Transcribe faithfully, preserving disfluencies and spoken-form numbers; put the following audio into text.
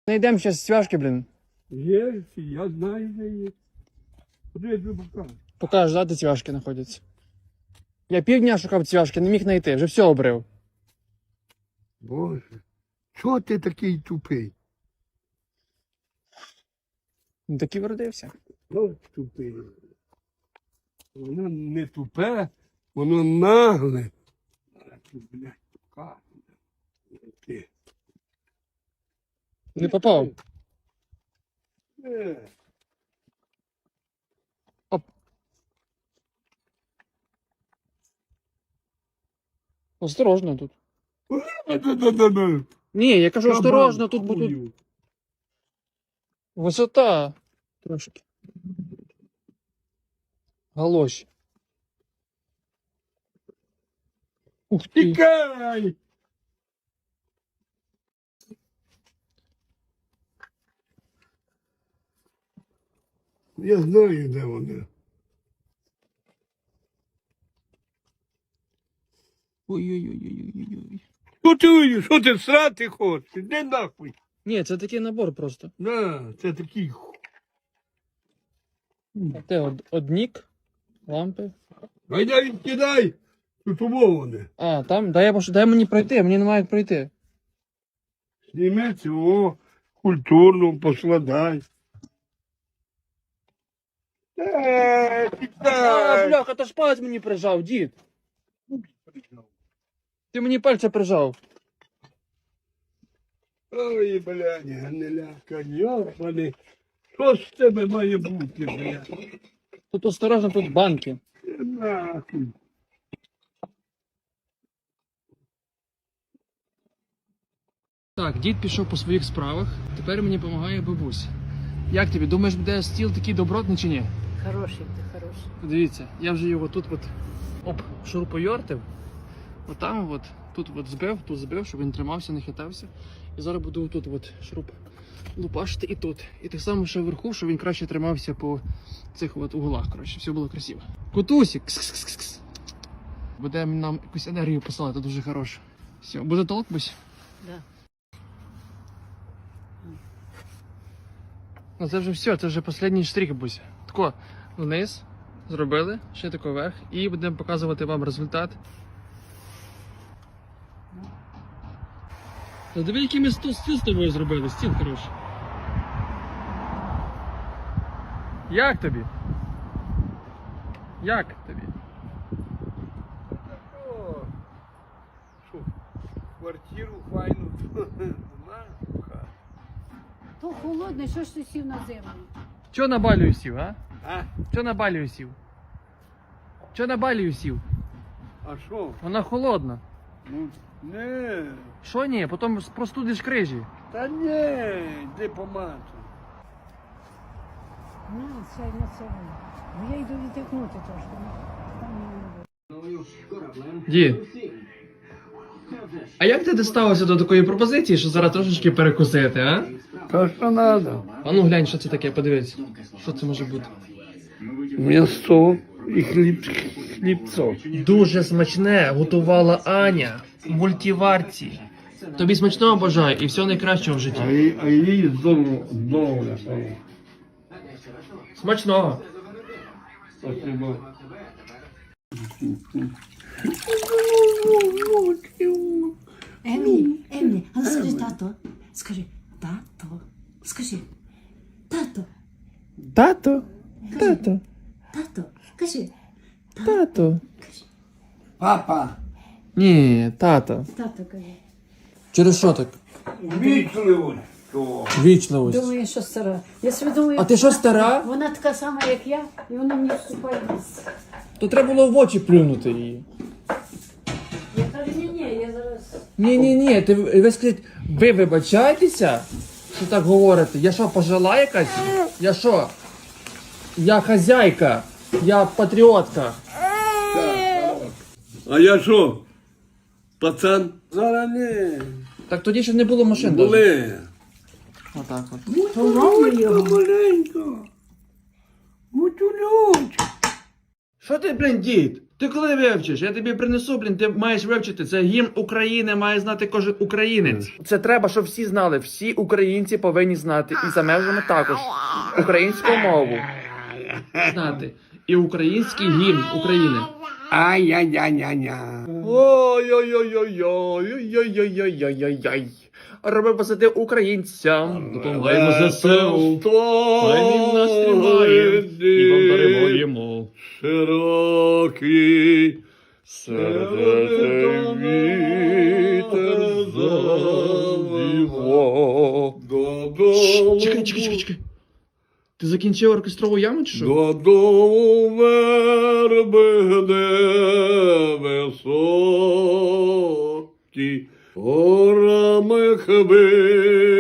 Найдемо зараз цвяшки, блін. Є, я знаю, де є. Куди я тобі покажу? Покажеш, да, де цвяшки знаходяться. Я півдня шукав цвяшки, не міг знайти, вже все обрив. Боже, чого ти такий тупий? Ну так і вродився. От тупий. Воно не тупе, воно нагле. А ти, блядь, покажу. Ти. Не попав. Е. Оп. Осторожно тут. Да-да-да-да. Ні, я кажу, осторожно, тут Кабан, буде хую. висота. Трошки. Галоші. Ух ти. Тікай! Я знаю, де вони. Ой-ой-ой-ой-ой-ой. Що ти, що ти срати хочеш? Іди нахуй. Ні, це такий набор просто. На, це такий. ху- А те од, однік, лампи. Гайда відкидай. Тут умоване. А, там, дай, я пош- дай мені пройти, мені немає як пройти. Зніми цього, культурно поскладай. Е, А, тікай. бляха, то ж палець мені прижав, дід. Ти мені пальця прижав. Ой, блядь, гниляка, йобаний. Що з тебе має бути, блядь? Тут осторожно, тут банки. Е, Нахуй. Так, дід пішов по своїх справах, тепер мені допомагає бабуся. Як тобі, думаєш, буде стіл такий добротний чи ні? Хороший ти, хороший. Дивіться, я вже його тут от оп, шурупойортив. Отам от, тут от збив, тут збив, щоб він тримався, не хитався. І зараз буду тут от шуруп лупашити і тут. І так само ще вверху, щоб він краще тримався по цих от углах, коротше, все було красиво. Кутусік! Кс-кс-кс-кс. Буде нам якусь енергію посилати, дуже хороше. Все, буде толк, бусь? Да. Ну це вже все, це вже останній штрих, бусь. Тако, вниз зробили, ще тако вверх, і будемо показувати вам результат. Та диви, який ми стіл з тобою зробили, стіл хороший. Як тобі? Як тобі? О, що, квартиру файну знаєш, хат. То холодно, що ж ти сів на землю? Чо на балію сів, а? А? Чо на балію сів? Чо на балію сів? А що? Вона холодна. Ну, не. Що ні? Потім простудиш крижі. Та не, де помати. На, сядь на себе. Бо я йду відтикнути трошки. Там не буде. Дід, а як ти дісталося до такої пропозиції, що зараз трошечки перекусити, а? Та що треба? А ну глянь, що це таке, подивись. Що це може бути? М'ясо і хліб, хлібцо. Дуже смачне готувала Аня в мультиварці. Тобі смачного бажаю і всього найкращого в А житті. їй, а їй знову, знову. Смачного. Спасибо. Емі, Емі, а ну скажи тато. Скажи, тато. Скажи, тато, Тато, тато, тато. Кажи, тато. Папа, Ні, тато. тато кажи. Через що так? вічливо. Що? Вічливость. Думаю, що стара. Я собі думаю, А ти що, стара? вона така сама, як я, і вона мені вступає в місце. То треба було в очі плюнути її. Я кажу, ні, ні, я зараз. Ні, ні, ні, ти ви скажіть, ви вибачаєтеся, що так говорите? Я що, пожила якась? Я що? Я хазяйка, я патріотка. А я що? Пацан? Зараз не. Так тоді ще не було машин. даже. Були. Отак от. Маленько, маленько. Гутюлють. Що ти, блін, дід? Ти коли вивчиш? Я тобі принесу, блін, ти маєш вивчити. Це гімн України, має знати кожен українець. Це треба, щоб всі знали. Всі українці повинні знати. І за межами також. Українську мову. Знати. І український гімн України. Ай-яй-яй-яй-яй. Ой-ой-ой-ой-ой-ой-ой-ой-ой-ой-ой. Роби посади українцям. Допомагаємо ЗСУ. Хай він нас тримає. І вам даруємо. Широкий Сердце вітер завіво. Додому. Чекай, чекай, чекай, чекай. Ти закінчив оркестрову яму чи що? Додому верби де високі, горами хвилі.